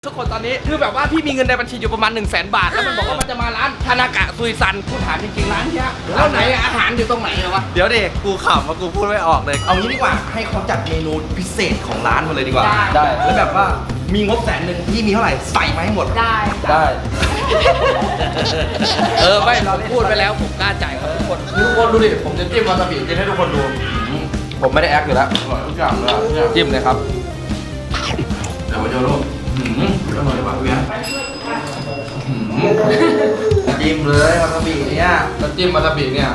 ทุกคนตอนนี้คือแบบว่าพี่มีเงินในบัญชีอยู่ประมาณ 100,000 บาทแล้วมันบอกว่ามันจะมาร้านทานากะซุยซันกูถามจริงๆร้านเนี้ยแล้วไหนอาหารอยู่ตรงไหนเหรอวะเดี๋ยวเด็กกูขำว่ากูพูดไม่ออกเลยเอางี้ดีกว่าให้เขาจัดเมนูพิเศษของร้านมาเลยดีกว่าได้แล้วแบบว่ามีงบ100,000พี่มีเท่าไหร่ใส่มาให้หมดได้ไม่เราพูดไปแล้วผมกล้าจ่ายครับทุกคนดูดิผมจะจิ้มวาซาบิกินให้ทุกคนดูผมไม่ได้แอคอยู่แล้วอร่อยทุกอย่างเลยจิ้มเลยครับเดี๋ยวมาโจโร่อร่อยมากพี่จิ้มเลยวาซาบิเนี่ยแล้วจิ้มวาซาบิเนี่ย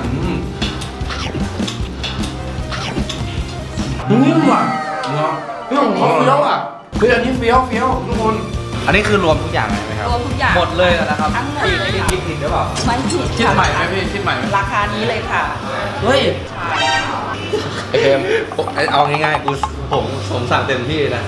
นิ่มว่ะเรื่องของเฟี้ยวอ่ะคืออันนี้เฟี้ยวทุกคนอันนี้คือรวมทุกอย่างเลยไหมครับรวมทุกอย่างหมดเลยนะครับทั้งหมดเลยค่ะคิดผิดหรือเปล่าไม่ผิดคิดใหม่ไหมพี่คิดใหม่ไหมราคานี้เลยค่ะเฮ้ยไอเฟมเอาง่ายๆผมสั่งเต็มที่นะ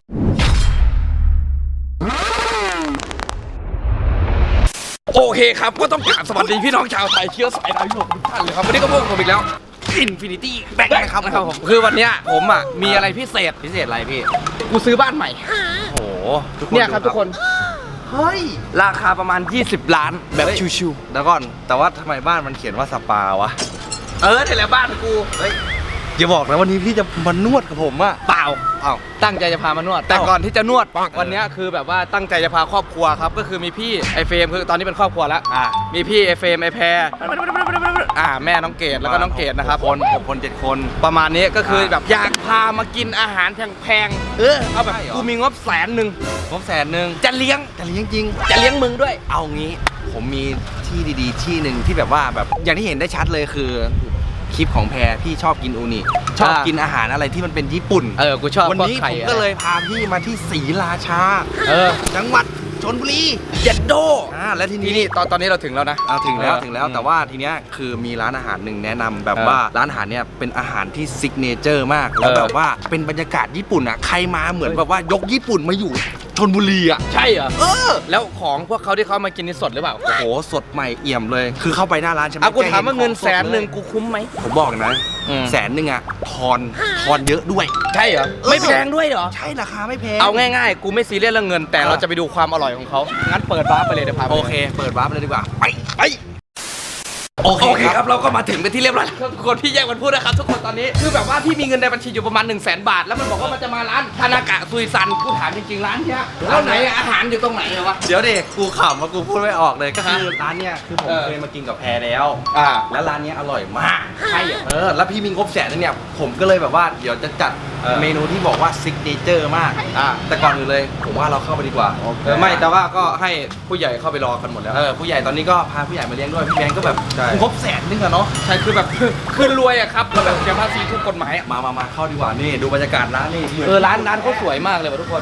โอเคครับก็ต้องกราบสวัสดีพี่น้องชาวไทยเชื้อสายดาวยุโรปทุกท่านเลยครับวันนี้ก็พวกผมอีกแล้ว Infinity Bank นะครับผมคือวันเนี้ยผมมีอะไรพิเศษอะไรพี่กูซื้อบ้านใหม่โอ้โหเนี่ยครับทุกคนเฮ้ยราคาประมาณ20 ล้านแบบชิวๆแล้วก่อนแต่ว่าทำไมบ้านมันเขียนว่าสปาวะนี่แหละบ้านกูเฮ้ยอย่าบอกนะวันนี้พี่จะมานวดกับผมอะเปล่าตั้งใจจะพามานวดแต่ก่อนที่จะนวดวันนี้คือแบบว่าตั้งใจจะพาครอบครัวครับก็คือมีพี่ไอเฟรมคือตอนนี้เป็นครอบครัวแล้วมีพี่ไอเฟรมไอแพรแม่น้องเกดแล้วก็น้องเกดนะครับคน7 คนประมาณนี้ก็คือแบบอยากพามากินอาหารแพงๆเอาแบบกูมีงบ100,000 งบ100,000 จะเลี้ยงจริงจะเลี้ยงมึงด้วยเอางี้ผมมีที่ดีๆที่หนึ่งที่แบบว่าแบบอย่างที่เห็นได้ชัดเลยคือคลิปของแพรพี่ชอบกินอูนิชอบกินอาหารอะไรที่มันเป็นญี่ปุ่นกูชอบวันนี้ผมก็เลยพาพี่มาที่ศรีราชาจังหวัดชลบุรีเย็ดโดและทีนี้ตอนนี้เราถึงแล้วนะถึงแล้วแต่ว่าทีเนี้ยคือมีร้านอาหารหนึ่งแนะนำแบบว่าร้านอาหารเนี่ยเป็นอาหารที่ซิกเนเจอร์มากแล้วแบบว่าเป็นบรรยากาศญี่ปุ่นอ่ะใครมาเหมือนแบบว่ายกญี่ปุ่นมาอยู่ชลบุรีอ่ะใช่เหรอแล้วของพวกเขาที่เขามากินนี่สดหรือเปล่าโอ้โหสดใหม่เอี่ยมเลยคือเข้าไปหน้าร้านใช่ไหมกูถามว่าเงิน100,000กูคุ้มไหมผมบอกนะ100,000อ่ะทอนเยอะด้วยใช่เหรอไม่แพงด้วยเหรอใช่ราคาไม่แพงเอาง่ายๆกูไม่ซีเรียสเรื่องเงินแต่เราจะไปดูความอร่อยของเขางั้นเปิดวาร์ปไปเลยเดี๋ยวพาโอเคเปิดวาร์ปไปเลยดีกว่าไปโอเคครับเราก็มาถึงเป็นที่เรียบร้อยแล้วทุกคนพี่แยกมันพูดนะครับทุกคนตอนนี้คือแบบว่าพี่มีเงินในบัญชีอยู่ประมาณ100,000 บาทแล้วมันบอกว่ามันจะมาร้านทานากะซุยซันกูถามจริงๆร้านเนี้ยแล้วไหนอาหารอยู่ตรงไหนเหรอวะเดี๋ยวเด็กกูขำว่ากูพูดไม่ออกเลยก็คือร้านเนี้ยคือผมเคยมากินกับแพรแล้วแล้วร้านนี้อร่อยมากใช่แล้วพี่มีงบ100,000เนี่ยผมก็เลยแบบว่าเดี๋ยวจะจัดเมนูที่บอกว่าซิกเนเจอร์มากแต่ก่อนอื่นเลยผมว่าเราเข้าไปดีกว่าไม่แต่ว่าก็ให้ผู้ใหญ่เข้าไปรอกันหมดแล้วผู้ใหญ่ตอนนี้ก็พาผู้ใหญ่มาเลี้ยงด้วยพี่แบงก์ก็แบบงบ100,000นึงอะเนาะใช่คือแบบคือรวยอะครับก็แบบเสียภาษีทุกกฎหมายมาเข้าดีกว่านี่ดูบรรยากาศร้านนี่ร้านเขาสวยมากเลยว่ะทุกคน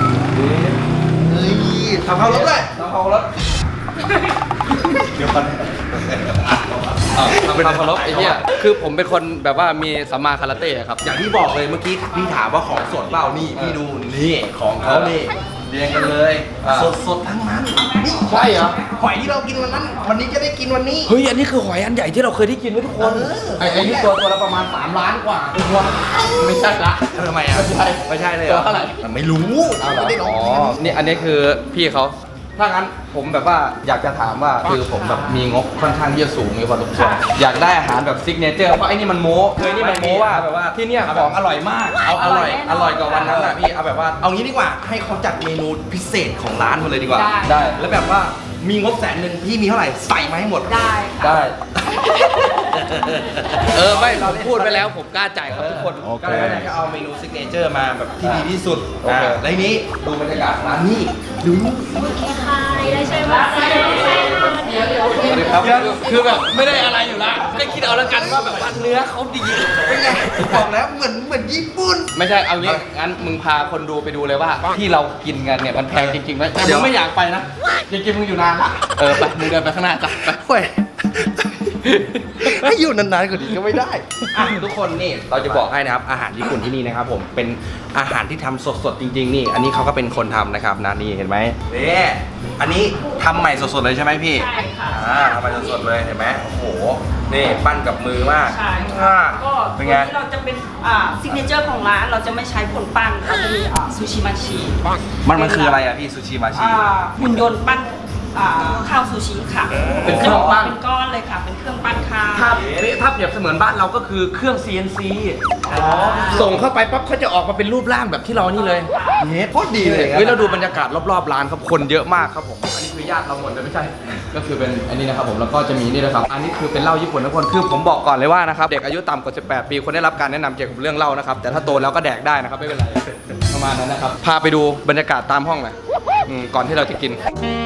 ทำเข้ารถเลยทำเข้ารถเดี๋ยวก่อนทำเคารพไอ้เนี่ยคือผมเป็นคนแบบว่ามีสัมมาคาราเต้ครับอย่างที่บอกเลยเมื่อกี้พี่ถามว่าของสดเปล่านี่พี่ดูนี่ของเขานี่เรียงกันเลยสดทั้งนั้นใช่เหรอหอยที่เรากินวันนั้นวันนี้จะได้กินวันนี้เฮ้ยอันนี้คือหอยอันใหญ่ที่เราเคยได้กินไว้ทุกคนไอ้นี่ตัวละประมาณ3 ล้านกว่าตัวไม่ใช่ละทำไมอ่ะไม่ใช่เลยตัวเท่าไหร่ไม่รู้ไม่ได้ลองนี่อันนี้คือพี่เขาถ้างั้นผมแบบว่าอยากจะถามว่าคือผมแบบมีงบค่อนข้างที่จะสูงมีพอสมควรอยากได้อาหารแบบซิกเนเจอร์เพราะไอ้นี่มันโม้นี่มันโม้ว่าแบบว่าที่เนี่ยของอร่อยมากเอาอร่อยกว่าวันนั้นอ่ะพี่เอาแบบว่าเอางี้ดีกว่าให้เขาจัดเมนูพิเศษของร้านมาเลยดีกว่าได้แล้วแบบว่ามีงบ100,000พี่มีเท่าไหร่ใส่มาให้หมดได้ไม่เราพูดไปแล้วผมกล้าจ่ายครับทุกคนก็เลยก็เอาเมนูซิกเนเจอร์มาแบบที่ดีที่สุดแล้วนี้ดูบรรยากาศร้านนี้ดูได้ใช่ไหมคือแบบไม่ได้อะไรอยู่ละก็คิดเอาแล้วกันว่าแบบว่าเนื้อเขาดีเป็นไงบอกแล้วเหมือนญี่ปุ่นไม่ใช่เอางี้งั้นมึงพาคนดูไปดูเลยว่าที่เรากินกันเนี่ยมันแพงจริงๆไหมแต่มึงไม่อยากไปนะจริงๆมึงอยู่นานละไปมึงเดินไปข้างหน้าจ้ะไปให้อยู่นานๆกว่านี้ก็ไม่ได้อ่ะทุกคนนี่เราจะบอกให้นะครับอาหารญี่ปุ่นที่นี่นะครับผมเป็นอาหารที่ทำสดๆจริงๆนี่อันนี้เขาก็เป็นคนทำนะครับนะนี่เห็นไหมนี่อันนี้ทำใหม่สดๆเลยใช่ไหมพี่ใช่ค่ะทำใหม่สดๆเลยเห็นไหมโอ้โหนี่ปั้นกับมือมากใช่อ่าก็เป็ตันวไงนี้เราจะเป็นซิกเนเจอร์ของร้านเราจะไม่ใช้ผลปั้นเราจะมีซูชิมาชิมันคืออะไรอ่ะพี่ซูชิมาชิหุ่นยนต์ปั้นข้าวซูชิค่ะเป็นเครื่องปั้นเป็นก้อนเลยค่ะ เป็นเครื่องปั้นข้าวถ้าเปรียบเสมือนบ้านเราก็คือเครื่อง CNC ส่งเข้าไปปั๊บเขาจะออกมาเป็นรูปร่างแบบที่เรานี่เลยเฮ้ยโคตรดีเลยเฮ้ยเราดูบรรยากาศรอบๆร้านครับคนเยอะมากครับผมอันนี้คือญาติเราหมดเลยไม่ใช่ ก็คือเป็นอันนี้นะครับผมแล้วก็จะมีนี่นะครับอันนี้คือเป็นเหล้าญี่ปุ่นทุกคนคือผมบอกก่อนเลยว่านะครับเด็กอายุต่ำกว่า18 ปีควรได้รับการแนะนำเกี่ยวกับเรื่องเหล้านะครับแต่ถ้าโตแล้วก็แดกได้นะครับไม่เป็นไรประมาณนั้นนะครับพาไปดูบรรยากาศตามห้องหน่อยก่อนที่เราจะกิน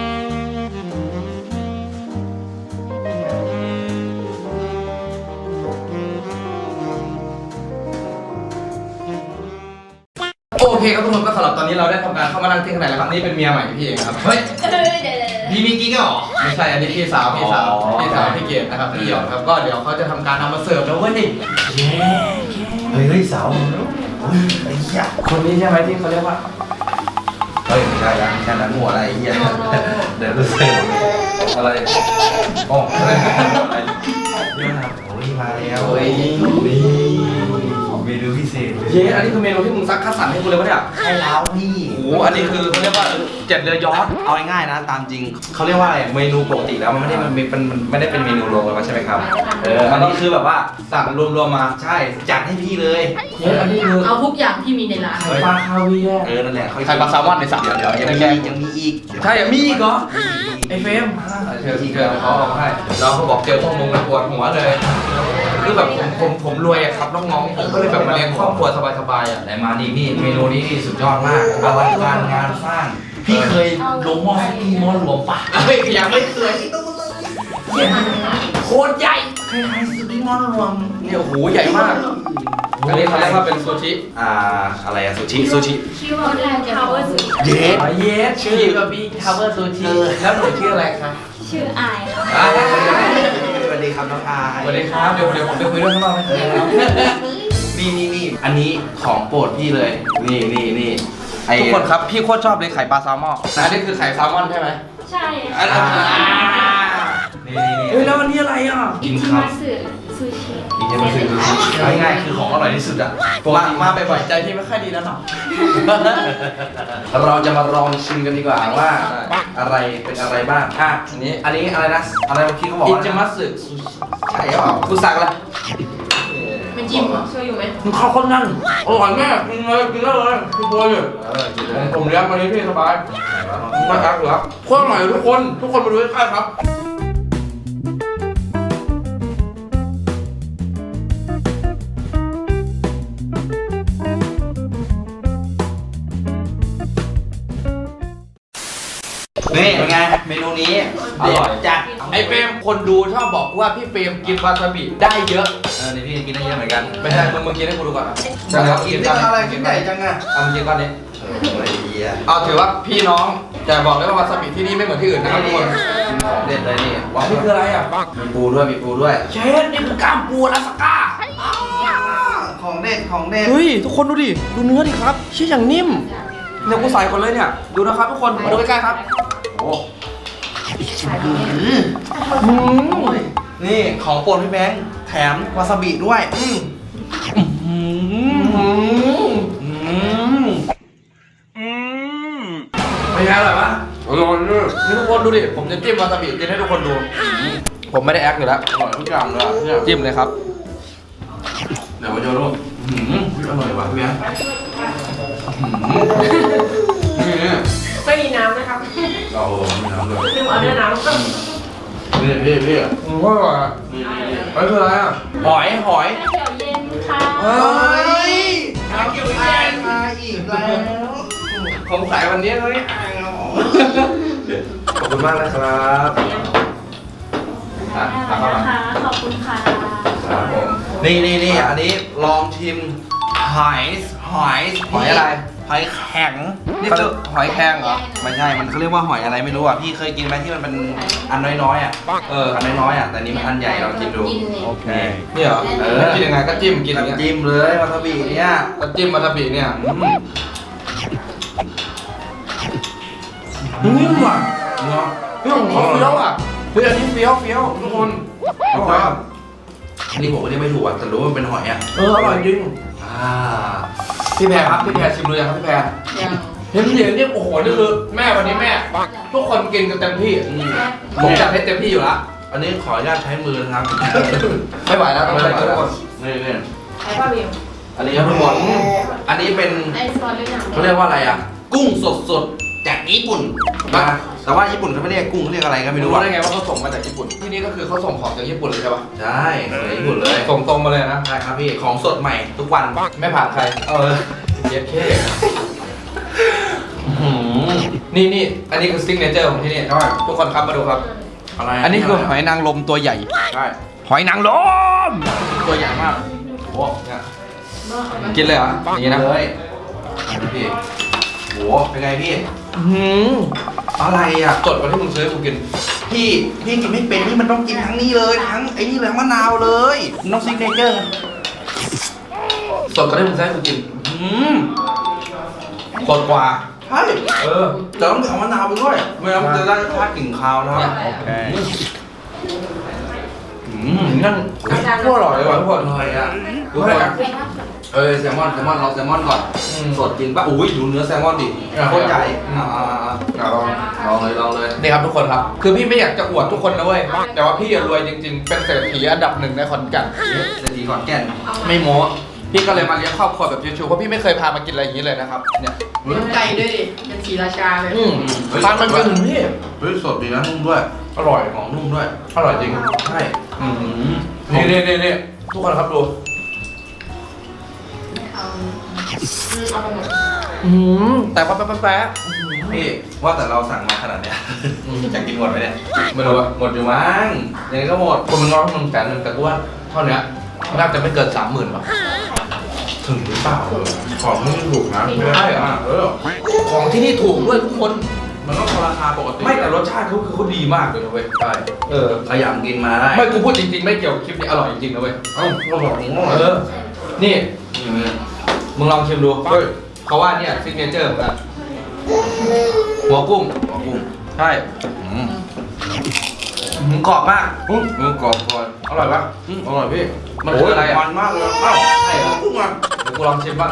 โอเคครับทุกคนก็สำหรับตอนนี้เราได้ทำการเข้ามานั่งที่ข้างในแล้วครับนี่เป็นเมียใหม่พี่เองครับเฮ้ยมีกิ๊กเหรอไม่ใช่อันนี้พี่สาวพี่สาวพี่เกดนะครับพี่หยอดครับก็เดี๋ยวเขาจะทำการนำมาเสิร์ฟแล้วเว้ยเฮ้ยสาวไอ้เหี้ยคนนี้ใช่ไหมที่เขาเรียกว่าเฮ้ยไม่ใช่ละแค่นั้นหัวอะไรไอ้เหี้ยเดี๋ยวรู้สึกอะไรโอ้อะไรโอ้ยมาแล้วเฮ้ยนี่เมนูพิเศษเย้อันนี้คือเมนูที่มึงซักคัดสรรให้กูเลยวะเนี่ยให้แล้วพี่โอ้โหอันนี้คือเขาเรียกว่าเจ็ดเรือยอชต์เอาง่ายๆนะตามจริงเขาเรียกว่าอะไรเมนูปกติแล้วมันไม่ได้เป็นเมนูรวมกันมาใช่ไหมครับอันนี้คือแบบว่าสั่งรวมๆมาใช่จัดให้พี่เลยเย้อันนี้คือเอาทุกอย่างที่มีในร้านไข่ปลาคาเวียร์นั่นแหละไข่ปลาแซลมอนในสัตว์เดี๋ยวยังมีอีกใช่มีอีกเหรอไอเฟรมเจอที่เกิดเขาเอาให้เราก็บอกเจอพวกมึงแล้วปวดหัวเลยคือแบบผมรวยอะครับน้องๆผมก็เลยแบบมาเลี้ยงครอบครัวสบายๆอ่ะแต่มาดีนี่เมนูนี้นี่สุดยอดมากอลังการงานสร้าง พี่เคยลงหม้อสุกี้หม้อหลวงปะเฮ้ยยังไม่เคยโคตรใหญ่เคยทานสุกี้หม้อหลวงเนี่ยโอ้โหใหญ่มากอันนี้เขาเรียกว่าเป็นซูชิอะไรอะซูชิชื่อว่าแรกจะเวอร์สุดเย็ดเยสชื่อก็บีทาวเวอร์ซูชิแล้วหนูชื่ออะไรคะชื่ออายค่ะสวัสดีครับน้องอายสวัสดีครับเดี๋ยวผมไปคุยเรื่องข้างนอกนะครับนี่อันนี้ของโปรดพี่เลยนี่ไอ้ทุกคนครับพี่โคตรชอบเลยไข่ปลาแซลมอนอันนี้คือไข่แซลมอนใช่ไหมใช่อันนี้นี่เฮ้ยแล้วอันนี้อะไรอ่ะกินที่ข้าวมาสึซูชิกินยังไม่ซื้อซูชิง่ายๆคือของอร่อยที่สุดอ่ะมาบ่อยๆใจพี่ไม่ค่อยดีแล้วเนาะเราจะมาลองชิมกันดีกว่าว่าอะไรเป็นอะไรบ้างอันนี้อะไรนะอะไรเมื่อกี้เขาบอกอิว่าจิมัสึซูชิใช่หรือเปล่ากูสั่งอะไรมันจิ้มเหรอช่วยอยู่ไหมมันเข้าคนนั่นอร่อยมากกินเลยกินได้เลยคือตัวอยู่กินเลยผมเลี้ยงวันนี้พี่สบายไม่อักเหรอโคตรอร่อยทุกคนมาดูใกล้ๆครับนี่เป็นไงเมนูนี้อร่อยจัดไอเฟรมคนดูชอบบอกว่าพี่เฟรมกินวาซาบิได้เยอะนี่พี่กินได้เยอะเหมือนกันไม่ใช่มึงกินให้กูดูก่อนอ่ะกินได้อะไรกินใหญ่จังอ่ะเอามึงกินก้อนนี้ไอ้เหี้ยเอาถือว่าพี่น้องแต่บอกเลยว่าวาซาบิที่นี่ไม่เหมือนที่อื่นนะครับทุกคนกินของเด็ดเลยนี่ว้าวนี่คืออะไรอ่ะมีปูด้วยเชฟนี่คือกล้ามปูอลาสก้าของเด็ดเฮ้ยทุกคนดูดิดูเนื้อดิครับชิ้นอย่างนิ่มเนี่ยกูใส่คนเลยเนี่ยดูนะครับทุกคนมาดูใกล้ๆครับโอ้นี่ของโปรดพี่แบงค์แถมวาซาบิด้วยไม่ใช่อร่อยปะอร่อยเลยนี่ทุกคนดูดิผมจะจิ้มวาซาบิกินให้ทุกคนดู ผมไม่ได้แอคอยู่แล้วอร่อยทุกอย่างเลยเนี่ยจิ้มเลยครับเดี๋ยวมาโยนลูกอร่อยว่ะพี่แบงค์นี่ไม่มีน้ำนะครับเรามีน้ำด้วยลืมเอาเนื้อน้ำพี่ก็อร่อยไม่คืออะไรอ่ะหอยเดี๋ยวเย็นค่ะเฮ้ยน้ำเกี่ยวกับมาอีกแล้วผมขายวันนี้เลยขอบคุณมากนะครับนะคะขอบคุณค่ะครับผมนี่อันนี้ลองชิมหอยหอยอะไรหอยแข็งนี่คือหอยแครงเหรอไม่ใช่มันเขาเรียกว่าหอยอะไรไม่รู้อ่ะพี่เคยกินไหมที่มันเป็นอันน้อยๆอ่ะอันน้อยๆอ่ะแต่นี่มันอันใหญ่ลองกินดูโอเคนี่เหรอกินยังไงก็จิ้มกินอย่างเงี้ยจิ้มเลยวาซาบิเนี่ยก็จิ้มวาซาบิเนี่ยนิ่มว่ะเนาะเรื่องของเขาเฟี้ยวอ่ะเฮ้ยอันนี้เฟี้ยวทุกคนอร่อยอ่ะอันนี้ผมก็เรียกไม่ถูกอ่ะแต่รู้ว่ามันเป็นหอยอ่ะอร่อยจริงอ่าพี่แพรครับพี่แพรชิมดูยังครับพี่แพรเห็นนี่โอ้โหนี่คือแม่วันนี้แม่ทุกคนกินกันเต็มที่ผมจัดให้เต็มที่อยู่ละอันนี้ขออนุญาตใช้มือนะครับไม่ไหวแล้วต้องใช้ทุกคนนี่ใช้ป้าเบลอันนี้ครับทุกคนอันนี้เป็นไอ้ซอสเล่นหนังเขาเรียกว่าอะไรอ่ะกุ้งสดๆจากญี่ปุ่นนะแต่ว่าญี่ปุ่นเขาไม่เรียกกุ้งเขาเรียกอะไรก็ไม่ไม่รู้รู้อ่ะได้ไงว่าเขาส่งมาจากญี่ปุ่นที่นี่ก็คือเขาส่งของจากญี่ปุ่นเลยใช่ปะใช่จากญี่ปุ่นเลยส่งตรงมาเลยนะใช่ครับพี่ของสดใหม่ทุกวันไม่ผ่านใคร เย็ดเข้ นี่อันนี้คือซิกเนเจอร์ของที่นี่ใช่ทุกคนครับมาดูครับอะไรอันนี้คือหอยนางรมตัวใหญ่ใช่หอยนางรมตัวใหญ่มากโอ้เนี่ยกินเลยเหรออย่างนี้นะเลยพี่โหเป็นไงพี่หืมอะไรอ่ะสดกว่าที่มึงซื้อให้กูกินพี่กินไม่เป็นนี่มันต้องกินทั้งนี้เลยทั้งไอ้นี่เลยทั้งมะนาวเลยมันต้องซิกเนเจอร์สดกว่าที่มึงซื้อให้กูกินอืมสดกว่าใช่ แต่ต้องเอามะนาวไปด้วยไม่งั้นมันจะได้รสชาติกลิ่นคาวนะครับโอเคนั่นโคตรอร่อยเลยว่ะทุกคนอร่อยอ่ะดูให้นะแซลมอนลองแซลมอนก่อน สดจริงป่ะอุ้ยดูเนื้อแซลมอนดิโคตรใหญ่ลองเลยนี่ครับทุกคนครับ คือพี่ไม่อยากจะอวดทุกคนนะเว้ย แต่ว่าพี่อะรวยจริงๆ เป็นเศรษฐีอันดับหนึ่งในขอนแก่นเศรษฐีขอนแก่นไม่โม้พี่ก็เลยมาเลี้ยงครอบครัวแบบชิวๆเพราะพี่ไม่เคยพามากินอะไรอย่างนี้เลยนะครับ เนี่ยน้ำไก่ด้วยดิเป็นสีราชาเลยทานมันกินถึงพี่เฮ้ยสดดีนะนุ่มด้วยอร่อยหอมนุ่มด้วยอร่อยจริงใช่นี่ทุกคนครับดูเอาไปหมดแต่ว่าแป๊ะพี่ว่าแต่เราสั่งมาขนาดเนี้ยจะกินหมดไหมเนี่ยไม่รู้ว่าหมดอยู่มั้งยังไงก็หมดคนมันร้องมัน100,000แต่กูว่าเท่านี้น่าจะไม่เกิน 30,000ป่ะถึงหรือเปล่าของไม่ถูกนะใช่เหรอ ของที่นี่ถูกด้วยทุกคนมันก็ราคาปกติไม่แต่รสชาติเขาดีมากเลยนะเว้ยใช่ ขยำกินมาได้ไม่กูพูดจริงๆ ไม่เกี่ยวกับคลิปนี้อร่อยจริงๆนะเว้ยเอ้าก็บอกผมว่านี่มึงลองชิมดูเฮ้ยเขาว่าเนี่ยซิกเนเจอร์เหมือนกันหัวกุ้งกุ้งใช่กรอบมากกรอบก่อนอร่อยปะอร่อยพี่มันคืออะไรอ่ะมันมากเลยเอ้าใช่เหรอกุ้งอ่ะเดี๋ยวกูลองชิมบ้าง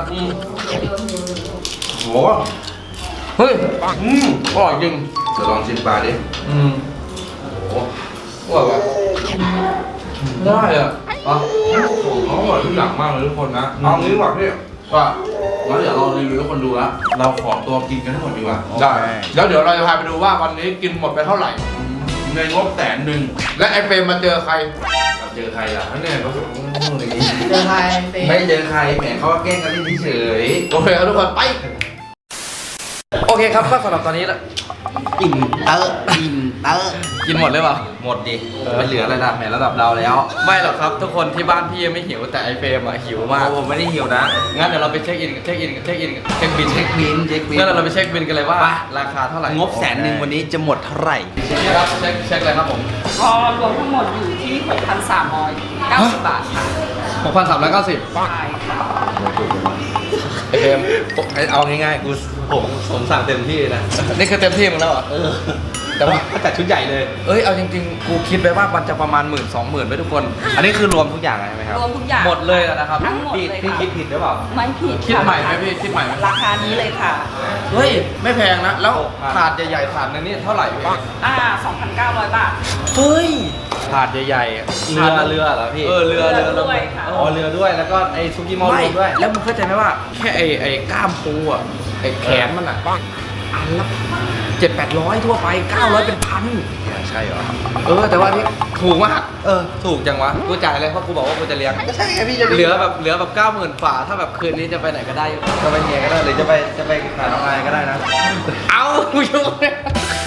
โหเฮ้ยอร่อยจริงเดี๋ยวลองชิมปลาดิโอ้อร่อยปะได้อ่ะอ๋อเขาอร่อยทุกอย่างมากเลยทุกคนนะอืมเอางี้ดีกว่าพี่ว่างั้นเดี๋ยวเรารีวิวให้คนดูละเราขอตัวกินกันทั้งหมดดีกว่าได้แล้วเดี๋ยวเราจะพาไปดูว่าวันนี้กินหมดไปเท่าไหร่ในงบ100,000 และไอเฟรมมาเจอใครเราเจอใครล่ะเนี่ยเขาอย่างนี้เจอใครเฟไม่เจอใครแหมเขาก็แกล้งกันเฉยโอเคครับทุกคนไปโอเคครับก็สำหรับตอนนี้ละอิ่มเตอร์กินหมดเลยเปล่าหมดดิไม่เหลืออะไรละแหมระดับเราแล้วไม่หรอกครับทุกคนที่บ้านพี่ยังไม่หิวแต่ไอเฟรมอะหิวมากผมไม่ได้หิวนะงั้นเดี๋ยวเราไปเช็คบินเช็คบินเช็คบินงั้นเราไปเช็คบินกันเลยว่าไปราคาเท่าไหร่งบ100,000วันนี้จะหมดเท่าไหร่นี่ครับเช็คเลยครับผมก็รวมทั้งหมดอยู่ที่ 6,390 บาทค่ะ 6,390 ใช่ค่ะไอเฟรมเอาง่ายๆผมสั่งเต็มที่นะนี่คือเต็มที่มึงแล้วเหรอแต่ว่าก็จัดชุดใหญ่เลยเอ้ยเอาจริงๆกูคิดไปว่ามันจะประมาณ 10,000-20,000ไว้ทุกคนอันนี้คือรวมทุกอย่างใช่ไหมครับรวมทุกอย่างหมดเลยนะครับทั้งหมดเลยพี่ค่ะคิดผิดหรือเปล่าไม่ผิดคิดใหม่ไหมพี่คิดใหม่ไหมราคานี้เลยค่ะเฮ้ยไม่แพงนะแล้วถาดใหญ่ๆถาดนึงนี่เท่าไหร่พี่ 2,900 บาทเฮ้ยถาดใหญ่ๆเรือเหรอพี่เรือด้วยค่ะอ๋อเรือด้วยแล้วก็ไอ้ซุกี้มอลไม่รวมด้วยแล้วมึงเข้าใจไหมว่าแค่ไอ้กล้ามปูอ่ะไอ้แขนมันอ่ะอันละ700-800ทั่วไป900เป็นพันใช่เหรอแต่ว่านี่ถูกมากถูกจังวะกูจ่ายเลยเพราะกูบอกว่ากูจะเลี้ยงใช่ไงพี่จะเหลือแบบ90,000ฝ่าถ้าแบบคืนนี้จะไปไหนก็ได้จะไปเมียก็ได้หรือจะไปหาน้องนายก็ได้นะเอากูยุ่งเนี่ย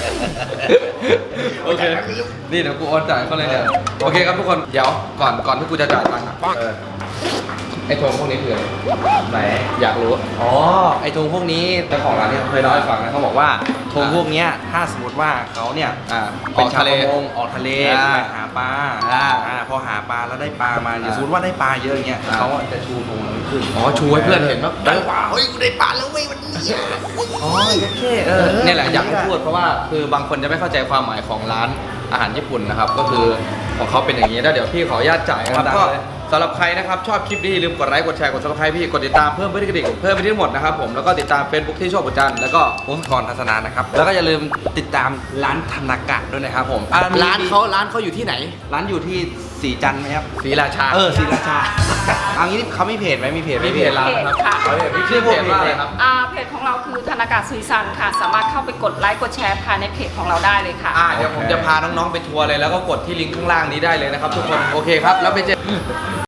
โอเคนี่เดี๋ยวกูโอนจ่ายเขาเลยเนี่ยโอเคครับทุกคนเดี๋ยวก่อนที่กูจะจ่ายตังค์อะไออ้ธงพวกนี้คืออะไรไหนอยากรู้อ๋อ ไอ้ธงพวกนี้เจ้าของร้านเนี่ยเคยเล่าให้ฟังนะเขาบอกว่าธงพวกเนี้ยถ้าสมมติว่าเขาเนี่ยอเป็อน กชาวทะเลประมงออกทะเลอ่าไปหาปลา พอหาปลาแล้วได้ปลามาอย่างสมมติว่าได้ปลาเยอะอย่างเงี้ยอ่าเขาจะชูธงนั้นขึ้นอ๋อชูให้เพื่อนเห็นว่าได้ปลาเฮ้ยกูได้ปลาแล้วเว้ยวันนี้อ๋อโอเคเนี่ยแหละอยากให้พูดเพราะว่าคือบางคนจะไม่เข้าใจความหมายของร้านอาหารญี่ปุ่นนะครับก็คือของเขาเป็นอย่างนี้แล้วเดี๋ยวพี่ขออนุญาตจ่ายนะครับก็สำหรับใครนะครับชอบคลิปนี้อย่าลืมกดไลค์กดแชร์กด subscribe พี่กดติดตามเพิ่มเพื่อนกระดิ่งเพิ่มไปที่ทั้งหมดนะครับผมแล้วก็ติดตาม Facebook ที่โชคบุญจันทร์แล้วก็ผมสกรทัศนานะครับแล้วก็อย่าลืมติดตามร้านธนากะด้วยนะครับผมร้านเขาอยู่ที่ไหนร้านอยู่ที่สีจันทร์ไหมครับศรีราชาศรีราชาเอางี้เขามีเพจไหมมีเพจไหมมีเพจร้านนะครับค่ะเอาเพจพี่ชื่อเพจว่าอะไรครับเพจของเราคือธนากาสุริสันค่ะ สามารถเข้าไปกดไลค์กดแชร์ภายในเพจของเราได้เลยค่ะเดี๋ยวผมจะพาน้องๆไปทัวร์เลยแล้วก็กดที่ลิงก์ข้างล่างนี้ได้เลยนะครับทุกคนโอเคครับแล้วไปเจอ